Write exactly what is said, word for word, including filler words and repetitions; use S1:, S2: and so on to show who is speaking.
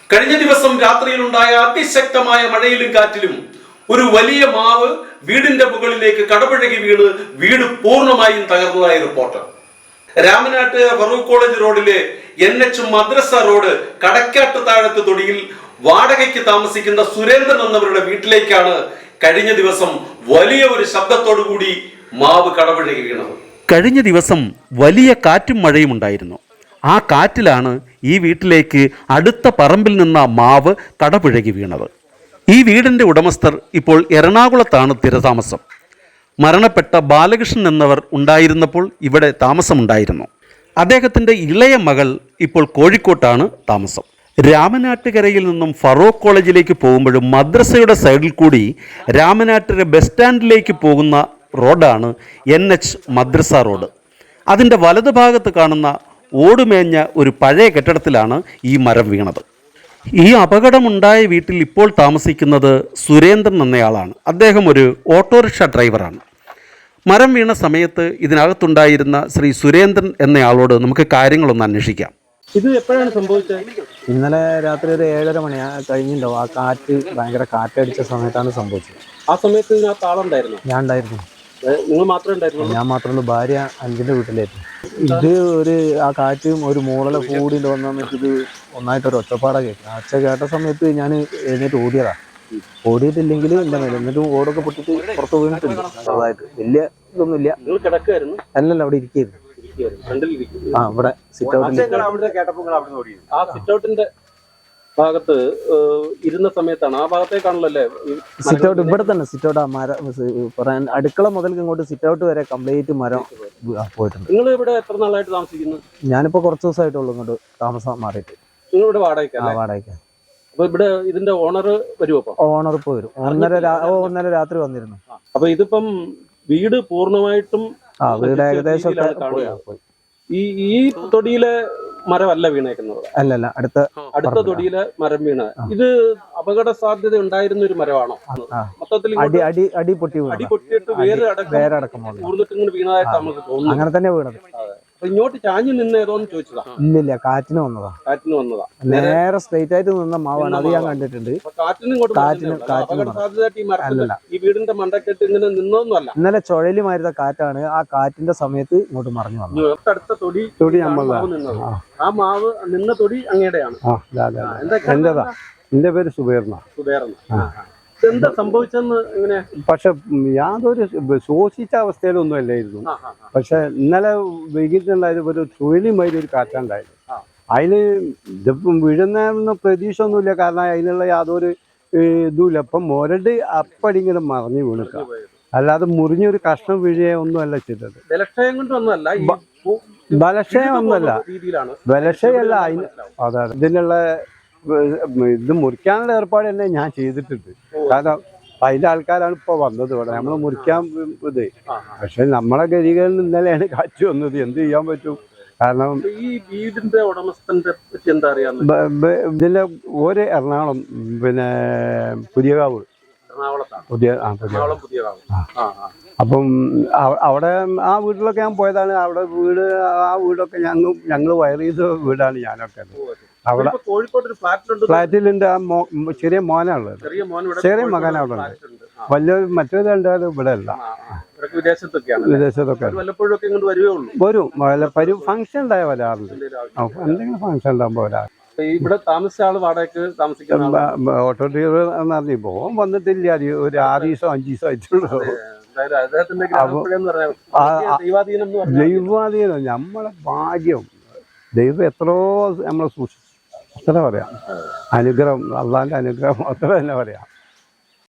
S1: കഴിഞ്ഞ ദിവസം രാത്രിയിലുണ്ടായ അതിശക്തമായ മഴയിലും കാറ്റിലും ഒരു വലിയ മാവ് വീടിന്റെ മുകളിലേക്ക് കടപുഴകി വീണ് വീട് പൂർണ്ണമായും തകർന്നതായി റിപ്പോർട്ട്. രാമനാട്ട് ഫറൂഖ് കോളേജ് റോഡിലെ എൻ എച്ച് മദ്രസ റോഡ് കടക്കാട്ട് താഴത്ത് തൊടിയിൽ വാടകയ്ക്ക് താമസിക്കുന്ന സുരേന്ദ്രൻ എന്നവരുടെ വീട്ടിലേക്കാണ് കഴിഞ്ഞ ദിവസം വലിയ ഒരു ശബ്ദത്തോടു കൂടി മാവ് കടപുഴകി വീണത്.
S2: കഴിഞ്ഞ ദിവസം വലിയ കാറ്റും മഴയും ഉണ്ടായിരുന്നു. ആ കാറ്റിലാണ് ഈ വീട്ടിലേക്ക് അടുത്ത പറമ്പിൽ നിന്ന മാവ് കടപുഴകി വീണത്. ഈ വീടിൻ്റെ ഉടമസ്ഥർ ഇപ്പോൾ എറണാകുളത്താണ് സ്ഥിരതാമസം. മരണപ്പെട്ട ബാലകൃഷ്ണൻ എന്നവർ ഉണ്ടായിരുന്നപ്പോൾ ഇവിടെ താമസമുണ്ടായിരുന്നു. അദ്ദേഹത്തിൻ്റെ ഇളയ മകൾ ഇപ്പോൾ കോഴിക്കോട്ടാണ് താമസം. രാമനാട്ടുകരയിൽ നിന്നും ഫറൂഖ് കോളേജിലേക്ക് പോകുമ്പോഴും മദ്രസയുടെ സൈഡിൽ കൂടി രാമനാട്ടുകര ബസ് സ്റ്റാൻഡിലേക്ക് പോകുന്ന റോഡാണ് എൻ എച്ച് മദ്രസ റോഡ്. അതിൻ്റെ വലതുഭാഗത്ത് കാണുന്ന ഓടുമേഞ്ഞ ഒരു പഴയ കെട്ടിടത്തിലാണ് ഈ മരം വീണത്. ഈ അപകടമുണ്ടായ വീട്ടിൽ ഇപ്പോൾ താമസിക്കുന്നത് സുരേന്ദ്രൻ എന്നയാളാണ്. അദ്ദേഹം ഒരു ഓട്ടോറിക്ഷ ഡ്രൈവറാണ്. മരം വീണ സമയത്ത് ഇതിനകത്തുണ്ടായിരുന്ന ശ്രീ സുരേന്ദ്രൻ എന്നയാളോട് നമുക്ക് കാര്യങ്ങളൊന്ന് അന്വേഷിക്കാം.
S3: ഇത് എപ്പോഴാണ് സംഭവിച്ചത്?
S4: ഇന്നലെ രാത്രി ഒരു ഏഴര മണി കഴിഞ്ഞിട്ടുണ്ടാവും. ആ കാറ്റ് ഭയങ്കര കാറ്റടിച്ച സമയത്താണ് സംഭവിച്ചത്.
S3: ആ സമയത്ത് ഇതിനകത്ത് ആളുണ്ടായിരുന്നു?
S4: ഞാൻ ഉണ്ടായിരുന്നു.
S3: നിങ്ങൾ മാത്രമേ ഉണ്ടായിരുന്നു?
S4: ഞാൻ മാത്രമേ. ഭാര്യ അഞ്ചിന്റെ വീട്ടിലായിരുന്നു. ഇത് ഒരു ആ കാറ്റും ഒരു മൂളല കൂടി വന്നിട്ട് ഇത് ഒന്നായിട്ടൊരു ഒച്ചപ്പാടാ കേൾക്കും. ആ ഒച്ച കേട്ട സമയത്ത് ഞാൻ എഴുന്നേറ്റ് ഓടിയതാ. ഓടിയിട്ടില്ലെങ്കിൽ എൻ്റെ മേലെ എന്നിട്ട് ഓടൊക്കെ പൊട്ടിട്ട് പുറത്ത് വീണിട്ടുണ്ട്. ചെറുതായിട്ട് വലിയ ഇതൊന്നുമില്ല.
S3: നിങ്ങൾ കിടക്കായിരുന്നു?
S4: അല്ലല്ല, അവിടെ ഇരിക്കുന്നു. ആ ഇവിടെ സിറ്റ് ഔട്ടിൽ.
S3: ആ സിറ്റ് ഔട്ടിന്റെ ഭാഗത്ത് ഇരുന്ന സമയത്താണ്. ആ ഭാഗത്തേക്കാണല്ലോ
S4: സിറ്റ് ഔട്ട്. ഇവിടെ തന്നെ സിറ്റ് ഔട്ട്. ആ മരം പറയാൻ അടുക്കള മുതൽ ഇങ്ങോട്ട് സിറ്റ് ഔട്ട് വരെ കംപ്ലീറ്റ് മരം പോയിട്ടുണ്ട്.
S3: നിങ്ങൾ ഇവിടെ എത്ര നാളായിട്ട് താമസിക്കുന്നു?
S4: ഞാനിപ്പോ കുറച്ച് ദിവസമായിട്ടുള്ളൂ ഇങ്ങോട്ട് താമസം മാറിയിട്ട്.
S3: നിങ്ങൾ ഇവിടെ വാടകയ്ക്കാ?
S4: വാടകയ്ക്കാ.
S3: അപ്പൊ ഇവിടെ ഇതിന്റെ ഓണർ വരുമോ?
S4: ഓണർ ഇപ്പൊ വരും. ഒന്നര ഒന്നര രാത്രി വന്നിരുന്നു.
S3: അപ്പൊ ഇതിപ്പം വീട് പൂർണ്ണമായിട്ടും
S4: ആ വീട് ഏകദേശം
S3: ഈ ഈ തൊടിയിലെ മരമല്ല വീണേക്കുന്നത്?
S4: അല്ലല്ല, അടുത്ത
S3: അടുത്ത തൊടിയിലെ മരം വീണ. ഇത് അപകട സാധ്യത ഉണ്ടായിരുന്ന ഒരു മരമാണോ? മൊത്തത്തിൽ
S4: അടി അടി അടി പൊട്ടി
S3: അടി പൊട്ടിയിട്ട് വേറെ
S4: വേരടക്കം
S3: ഇങ്ങനെ വീണതായിട്ട് നമുക്ക് തോന്നുന്നു.
S4: അങ്ങനെ തന്നെ വീണത്.
S3: അപ്പൊ ഇങ്ങോട്ട് ചാഞ്ഞു നിന്ന് ഏതോന്ന് ചോദിച്ചതാ?
S4: ഇല്ലില്ല, കാറ്റിന് വന്നതാ.
S3: കാറ്റിന് വന്നതാ.
S4: നേരെ സ്ട്രൈറ്റ് ആയിട്ട് നിന്ന മാവാണ്. അത് ഞാൻ കണ്ടിട്ടുണ്ട്.
S3: കാറ്റിന് ഇങ്ങോട്ട് അപകട സാധ്യതയായിട്ട് ഈ മരത്തിലല്ല, ഈ വീടിന്റെ മണ്ടക്കെട്ട് ഇങ്ങനെ നിന്നൊന്നുമല്ല.
S4: ഇന്നലെ ചുഴലി മാരുന്ന കാറ്റാണ്. ആ കാറ്റിന്റെ സമയത്ത് ഇങ്ങോട്ട് മറിഞ്ഞു വന്നു.
S3: അടുത്ത തൊടി
S4: തൊടി നമ്മളാ.
S3: ആ മാവ് നിന്ന തൊടി അങ്ങയുടെയാണ്?
S4: എന്റേതാ. എന്റെ പേര് സുബേർന്ന.
S3: സുബേർന്ന. എന്താ സംഭവിച്ചെന്ന് എങ്ങനെ?
S4: പക്ഷെ യാതൊരു ശോഷിച്ച അവസ്ഥയിലൊന്നും അല്ലായിരുന്നു. പക്ഷെ ഇന്നലെ വൈകിട്ടുണ്ടായത് ഒരു ചുഴലിമാതിരി ഒരു കാറ്റുണ്ടായിരുന്നു. അതിന് ഇതിപ്പം വീഴുന്ന പ്രതീക്ഷ ഒന്നുമില്ല. കാരണം അതിനുള്ള യാതൊരു ഇതുമില്ല. അപ്പം മുരട് അപ്പടി ഇങ്ങനെ മറിഞ്ഞു വീണിക്ക. അല്ലാതെ മുറിഞ്ഞൊരു കഷ്ണം വീഴുകയോ ഒന്നും അല്ല ചെയ്തത്.
S3: ബലക്ഷയം കൊണ്ടൊന്നുമല്ല.
S4: ബലക്ഷയം ഒന്നുമല്ല. ബലക്ഷയല്ല. അതിന് അതാണ് ഇതിനുള്ള ഇത് മുറിക്കാനുള്ള ഏർപ്പാട് തന്നെ ഞാൻ ചെയ്തിട്ടുണ്ട്. കാരണം അതിന്റെ ആൾക്കാരാണ് ഇപ്പൊ വന്നത് ഇവിടെ. നമ്മള് മുറിക്കാൻ ഇത്. പക്ഷെ നമ്മളെ ഗതികളിൽ ഇന്നലെയാണ് കാറ്റ് വന്നത്. എന്ത് ചെയ്യാൻ പറ്റും? കാരണം
S3: ഈ വീടിന്റെ ഉടമസ്ഥന്റെ പറ്റി എന്താ അറിയാം?
S4: ഇതിന്റെ ഒരു എറണാകുളം, പിന്നെ പുതിയകാവ്. പുതിയ അപ്പം അവിടെ ആ വീട്ടിലൊക്കെ ഞാൻ പോയതാണ്. അവിടെ വീട് ആ വീടൊക്കെ ഞങ്ങൾ ഞങ്ങൾ വയർ ചെയ്ത വീടാണ് ഞാനൊക്കെ. അവിടെ ഫ്ലാറ്റിലുണ്ട്. ആ മോ ചെറിയ മോനാണുള്ളത്. ചെറിയ മകൻ അവിടെ ഉണ്ട്. വലിയ മറ്റേത് ഉണ്ടായാലും ഇവിടെ അല്ല. വിദേശത്തൊക്കെ വരും. വല്ല ഫംഗ്ഷൻ ഉണ്ടായ വരാറുണ്ട്. എന്തെങ്കിലും ഫംഗ്ഷൻ ഉണ്ടാകുമ്പോ വരാറ്.
S3: ഇവിടെ താമസിച്ച ആള് വാടകയ്ക്ക് താമസിക്കുന്ന
S4: ഓട്ടോ ഡ്രൈവർ എന്ന് പറഞ്ഞു പോകാൻ വന്നിട്ടില്ല. ഒരു ആറ് ദിവസം അഞ്ചു ദിവസം ആയിട്ടുള്ളൂ. ദൈവാധീനം നമ്മളെ ഭാഗ്യം. ദൈവം എത്രയോ നമ്മളെ സൂക്ഷിച്ചു. അത്ര പറയാം. അനുഗ്രഹം, അള്ളാന്റെ അനുഗ്രഹം അത്ര തന്നെ പറയാം.